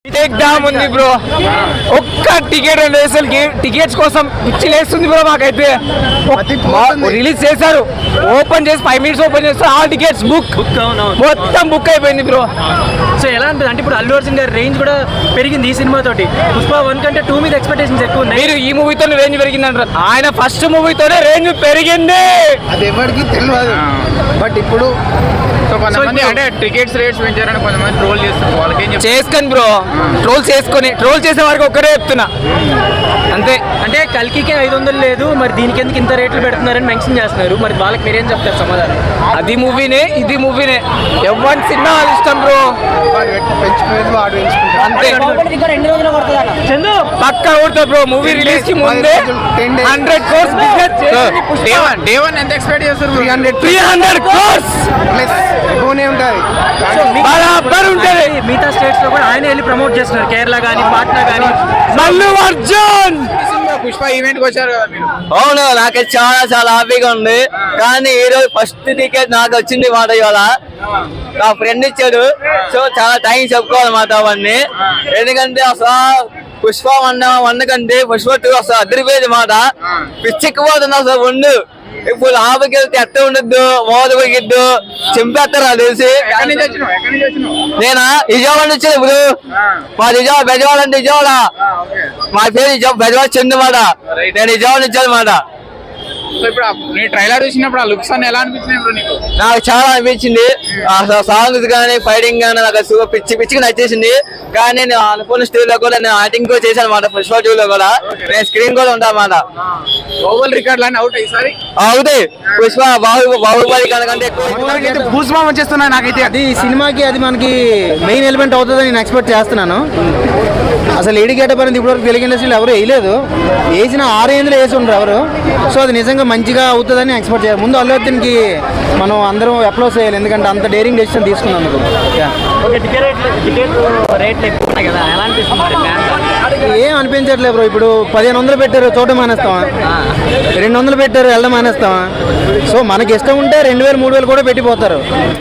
ఉంది బ్రో. ఒక్క టికెట్ రెండు అసలు టికెట్స్ కోసం పిచ్చిలేస్తుంది బ్రో మాకైతే. రిలీజ్ చేశారు, ఓపెన్ చేసి 5 minutes ఓపెన్ చేస్తే ఆల్ టికెట్స్ బుక్ మొత్తం బుక్ అయిపోయింది బ్రో. సో ఎలా అనిపిస్తుంది అంటే ఇప్పుడు అల్లు అర్జున్ గారి రేంజ్ కూడా పెరిగింది ఈ సినిమా తోటి. పుష్ప 1 కంటే 2 మీద ఎక్స్పెక్టేషన్స్ ఎక్కువ ఉన్నాయి. మీరు ఈ మూవీతో రేంజ్ పెరిగింది అంటారు, ఆయన ఫస్ట్ మూవీతోనే రేంజ్ పెరిగింది. అది ఎవరికి తెలియదు. బట్ ఇప్పుడు కొంతమంది అంటే టికెట్స్ రేట్స్ పెంచారని కొంతమంది ట్రోల్ చేస్తున్నారు. వాళ్ళకి చేసుకొని బ్రో, ట్రోల్ చేసే వారికి ఒక్కరే చెప్తున్నా అంతే. అంటే కల్కికే 500 లేదు, మరి దీనికి ఎందుకు ఇంత రేట్లు పెడుతున్నారని మెన్షన్ చేస్తున్నారు. మరి వాళ్ళకి మీరేం చెప్తారు సమాధానం? అది మూవీనే ఇది మూవీనే, ఎవరి సినిమా వాళ్ళ ఇష్టం బ్రో. పెంచుకునేది వాడు ఎంచుకుంటాడు. అంతే పక్కా కొడతారు బ్రో. మూవీ రిలీజ్ కి ముందే 100 crores బిజినెస్ డే వన్ ఎంత ఎక్స్పెక్ట్ చేస్తారు? 300 crores ప్లస్ ఎక్కువనే ఉంటుంది. బరాబర్ ఉంటుంది. మిగతా స్టేట్స్ లో కూడా ఆయన వెళ్ళి ప్రమోట్ చేస్తున్నారు, కేరళ కానీ పాట్నా కానీ. మల్లు అర్జున్ పుష్ప ఈవెంట్ కి వచ్చారు కదా మీరు. అవును, నాకైతే చాలా హ్యాపీగా ఉంది. కానీ ఈ రోజు ఫస్ట్ టికెట్ నాకు వచ్చింది మాట. ఇవాళ నా ఫ్రెండ్ ఇచ్చాడు, సో చాలా టైం చెప్పుకోవాలి మాట అవన్నీ. ఎందుకంటే అసలు పుష్ప 1 కంటే పుష్ప 2 అసలు అదిరిపోయేది మాట. పిచ్చెక్కిపోతుంది అసలు ఉండు. ఇప్పుడు ఆపకెళ్తే ఎట్ట ఉండద్దు, మోదగిద్దు చింపేస్తారు అది తెలిసి. నేనా విజయవాడ నుంచి ఇప్పుడు మా విజయవాడ బెజవాడ అంటే విజయవాడ, మా పేరు బెజవాడ చెంది మాట. నేను విజయవాడ నుంచి అనమాట. సో ఇప్పుడు నీ ట్రైలర్ చూసినప్పుడు ఆ లుక్స్ అన్ని ఎలా అనిపించినాయి బ్రో నీకు? నాకు చాలా అనిపించింది. అసలు సాంగ్స్ కానీ ఫైటింగ్ కానీ నాకు అసలు పిచ్చిగా నచ్చేసింది. కానీ నేను అనుకున్న స్టేజ్ లో కూడా నేను యాక్టింగ్ కూడా చేశాను అనమాట. పుష్ప 2 లో కూడా నేను స్క్రీన్ కూడా ఉంటా అన్నమాట. గ్లోబల్ రికార్డ్ లాని అవుట్ ఈసారి అవుతాయి. పుష్ప బాహుబలి కనుకంటే ఎక్కువ భూస్మా వచ్చేస్తున్నా నాకైతే. అది సినిమాకి అది మనకి మెయిన్ ఎలిమెంట్ అవుతుందని నేను ఎక్స్పెక్ట్ చేస్తున్నాను. అసలు లేడీ గెటప్ అనేది ఇప్పటివరకు తెలుగు ఇండస్ట్రీలో ఎవరు వేయలేదు, వేసిన 6 రేంజ్లో వేసి ఉండరు ఎవరు. సో అది నిజంగా మంచిగా అవుతుందని ఎక్స్పెక్ట్ చేయాలి. ముందు అల్లు అర్జున్కి మనం అందరం అప్లోడ్ చేయాలి, ఎందుకంటే అంత డేరింగ్ డెసిషన్ తీసుకున్నందుకు. ఏం అనిపించట్లేదు బ్రో. ఇప్పుడు 1500 పెట్టారు, చోట మానేస్తామా? 200 పెట్టారు, వెళ్ళడం మానేస్తామా? సో మనకి ఇష్టం ఉంటే 2000 3000 కూడా పెట్టిపోతారు.